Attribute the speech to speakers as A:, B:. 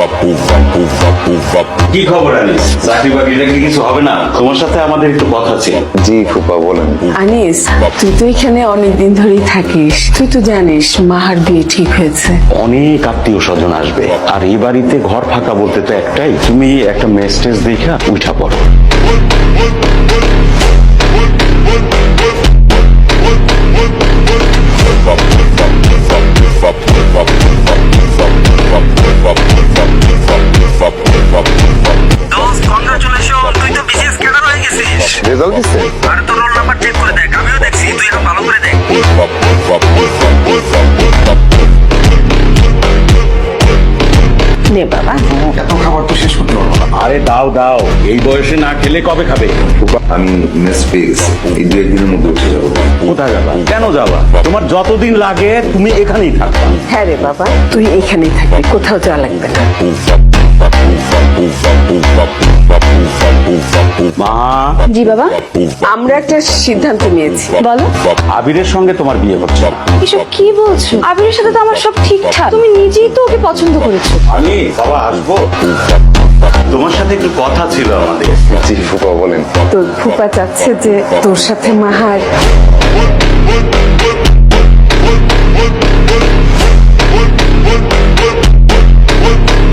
A: কি খবর আনিস? চাকরি বাকরিটা কি কিছু হবে না? তোমার সাথে আমাদের একটু কথা ছিল।
B: জি ফুপা বলেন।
C: আনিস, তুই তো এখানে অনেকদিন ধরেই থাকিস, তুই তো জানিস মাহার বিয়ে ঠিক হয়েছে।
A: অনেক আত্মীয় স্বজন আসবে, আর এই বাড়িতে ঘর ফাঁকা বলতে তো একটাই, তুমি একটা মেসেজ দেখা উঠা পড়ো।
B: রেজাল্ট দিচ্ছে?
C: নে বাবা,
B: এত খাবার তো শেষ করতে পারবো না।
A: আরে দাও দাও, এই বয়সে না খেলে কবে খাবে?
B: ফুপা আমি মেস পেয়ে গেছি, এই 2-1 দিনের মধ্যে উঠে যাবো।
A: কোথায় যাবা? কেন যাবা? তোমার যতদিন লাগে তুমি এখানেই থাকবা।
C: হ্যাঁ রে বাবা, তুই এখানেই থাকবি, কোথাও যাওয়া লাগবে না।
A: মা,
D: জি বাবা,
C: আমরা একটা সিদ্ধান্ত নিয়েছি।
D: বলো।
A: আবিরের সঙ্গে তোমার বিয়ে হচ্ছে না।
D: এসব কি বলছো? আবিরের সাথে তো আমার সব ঠিকঠাক, তুমি নিজেই তো ওকে পছন্দ করেছো।
A: আমি বাবা আসবো, তোমার সাথে একটু কথা ছিল আমাদের।
B: জি ফুপা বলেন।
C: তোর ফুপা চাচ্ছে যে তোর সাথে মাহার